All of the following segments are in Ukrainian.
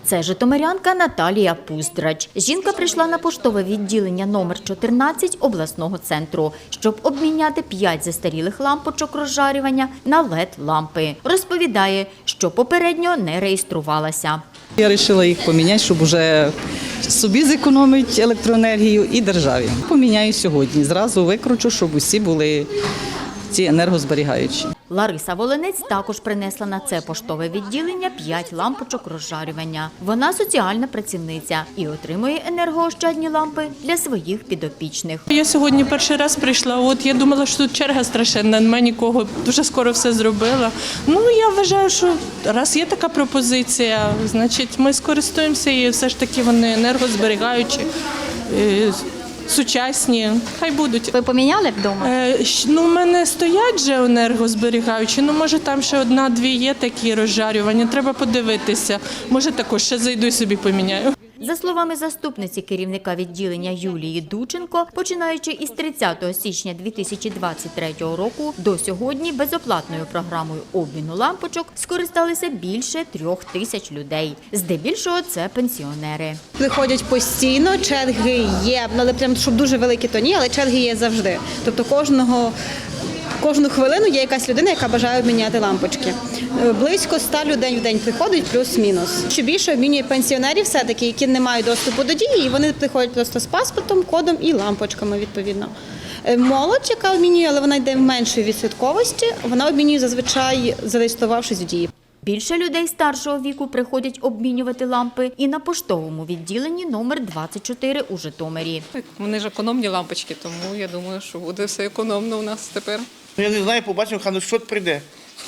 Це житомирянка Наталія Пуздрач. Жінка прийшла на поштове відділення номер 14 обласного центру, щоб обміняти 5 застарілих лампочок розжарювання на LED-лампи. Розповідає, що попередньо не реєструвалася. Я вирішила їх поміняти, щоб вже собі зекономити електроенергію і державі. Поміняю сьогодні, зразу викручу, щоб усі були ці енергозберігаючі. Лариса Волинець також принесла на це поштове відділення 5 лампочок розжарювання. Вона соціальна працівниця і отримує енергоощадні лампи для своїх підопічних. Я сьогодні перший раз прийшла, я думала, що тут черга страшенна, немає нікого, дуже скоро все зробила. Я вважаю, що раз є така пропозиція, значить ми скористуємося і все ж таки вони енергозберігаючі, сучасні, хай будуть. Ви поміняли вдома? У мене стоять вже енергозберігаючі, може там ще 1-2 є такі розжарювання, треба подивитися. Може також ще зайду і собі поміняю. За словами заступниці керівника відділення Юлії Дученко, починаючи із 30 січня 2023 року до сьогодні безоплатною програмою обміну лампочок скористалися більше 3000 людей. Здебільшого це пенсіонери. Приходять постійно, черги є, але прям, щоб дуже великі, то ні, але черги є завжди. Тобто кожну хвилину є якась людина, яка бажає обміняти лампочки. Близько 100 людей в день приходить, плюс-мінус. Що більше обмінює пенсіонерів все-таки, які не мають доступу до дії, і вони приходять просто з паспортом, кодом і лампочками, відповідно. Молодь, яка обмінює, але вона йде в меншої відсотковості, вона обмінює зазвичай, зареєструвавшись в дії. Більше людей старшого віку приходять обмінювати лампи і на поштовому відділенні номер 24 у Житомирі. Вони ж економні лампочки, тому я думаю, що буде все економно у нас тепер. Я не знаю, побачимо, хай що прийде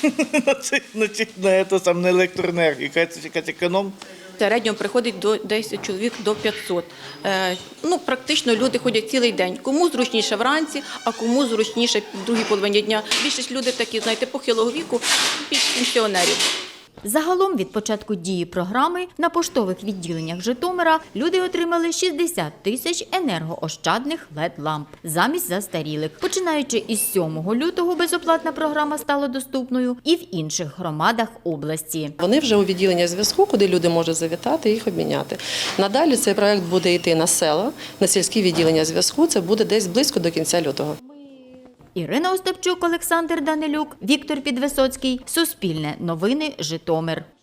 на електроенергію, якась економ. В середньому приходить до 10 чоловік до 500. Практично люди ходять цілий день. Кому зручніше вранці, а кому зручніше в другій половині дня. Більшість людей такі, похилого віку, більш пенсіонерів. Загалом від початку дії програми на поштових відділеннях Житомира люди отримали 60 тисяч енергоощадних LED-ламп замість застарілих. Починаючи із 7 лютого безоплатна програма стала доступною і в інших громадах області. Вони вже у відділення зв'язку, куди люди можуть завітати і їх обміняти. Надалі цей проект буде йти на села, на сільські відділення зв'язку. Це буде десь близько до кінця лютого. Ірина Остапчук, Олександр Данилюк, Віктор Підвисоцький. Суспільне новини, Житомир.